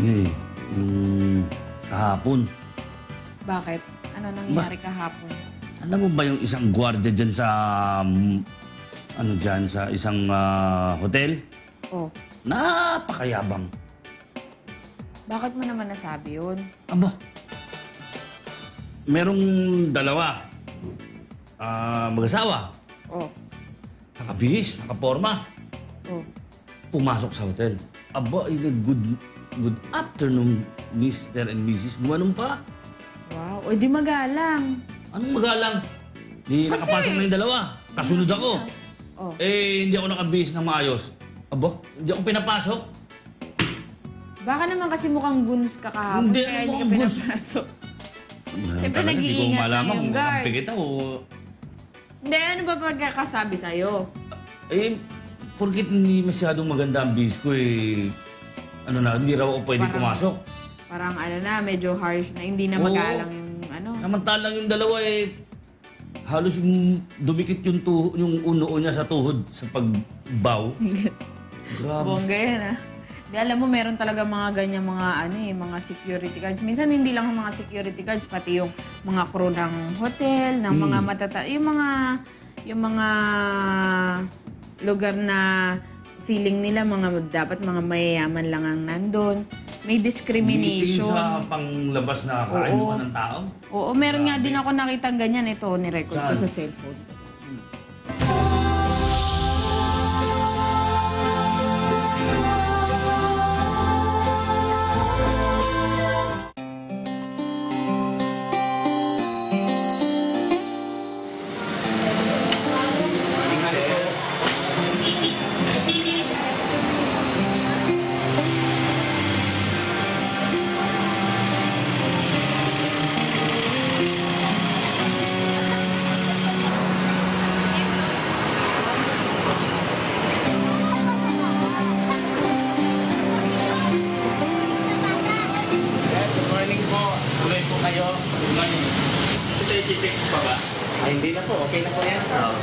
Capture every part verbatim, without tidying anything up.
Eh, yung kahapon. Bakit? Ano nangyari kahapon? Alam mo ba yung isang gwardiya dyan sa... mm, ano dyan, sa isang ah, hotel? Oh, Napakayabang. bakit mo naman nasabi yun? Aba, merong dalawa. Ah, mag-asawa. Oh, Nakabihis, nakaporma. oh. Pumasok sa hotel. Aba, in a good, good afternoon, Mister and Missus Gumanong pa. Wow, o di magalang. Anong magalang? Di Kasi- nakapasok na yung dalawa. Kasunod ako. Oh, Eh, hindi ako nakabihis ng maayos. Aba, hindi ako pinapasok. baka naman kasi mukhang guns ka kahapon, Hindi, kaya ano hindi ka mukhang guns? pinapasok. Siyempre, Siyempre, nag-iingat na yung guard. Pigit ako. Hindi, ano ba pagkakasabi sa'yo? Eh, porkit hindi masyadong maganda ang bihis ko eh. Ano na, hindi raw ako pwede Parang- pumasok. Parang ano na, medyo harsh na, hindi na Oo. magalang yung ano. Samantalang yung dalawa eh, halos yung dumikit yung, tuho, yung uno niya sa tuhod sa pagbaw. Grabe. Bongga yan ah. Di alam mo, meron talaga mga ganyan mga ano eh, mga security guards. Minsan hindi lang ang mga security guards, pati yung mga crew ng hotel, ng mga matata... Yung mga... Yung mga lugar na feeling nila mga dapat mga mayayaman lang ang nandun. May Hindi discrimination. sa panglabas na Oo. kaayuan ng tao. Oo, meron nga din ako nakitang ganyan. Ito, nirecord ko Saan? sa cellphone. Good morning po. Tuloy po kayo. Good morning. Ito i-check pa ba? Ay, hindi na po. Okay na po yan. Oo.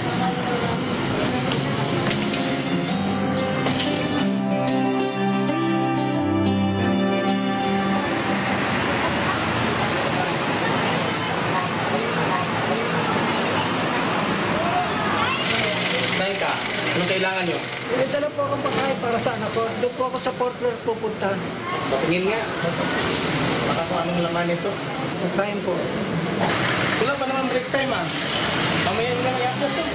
Saan ka? Anong kailangan nyo? May dala po akong pagkain para sa anak ko. Doon po ako sa Fort Worth pupunta. Patingin nga. Baka kung anong laman nito. Pagkain po. Wala pa naman break time ah. Mamaya nyo na may upload to.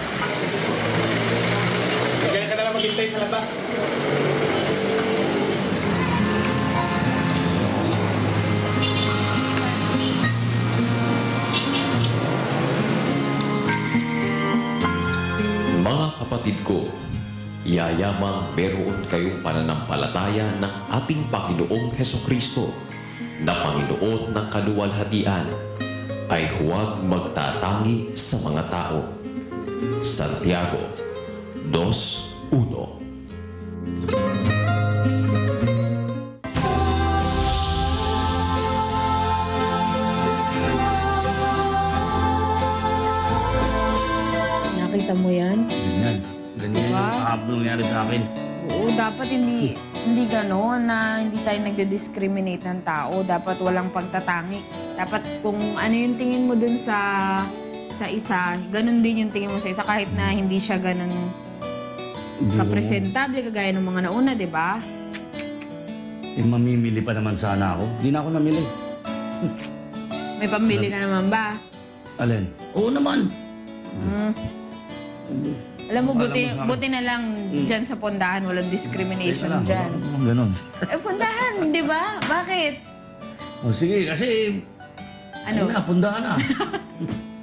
Kaya ka na lang maghintay sa labas. Mga kapatid ko, yayamang meron kayong pananampalataya ng ating Panginoong Hesukristo na Panginoon ng kaluwalhatian ay huwag magtatangi sa mga tao. Santiago two one. Nakita mo yan? Ganyan. Ganyan Diba? yung kahapon nangyari sa akin. Oo, dapat hindi hindi gano'n na hindi tayo nagde-discriminate ng tao. Dapat walang pagtatangi. Dapat kung ano yung tingin mo dun sa sa isa, ganun din yung tingin mo sa isa kahit na hindi siya ganun kapresentable kagaya ng mga nauna, di ba? Eh, mamimili pa naman sana ako. Hindi na ako namili. May pambili ka naman ba? Alin? Oo naman. Hmm. Alam mo, Alam buti, mo sa- buti na lang dyan sa pondahan, walang discrimination Teka lang. dyan. Oo, Ganon. Eh, pondahan, di ba? Bakit? O sige, kasi... Ano? Ano? Na, pundahan na.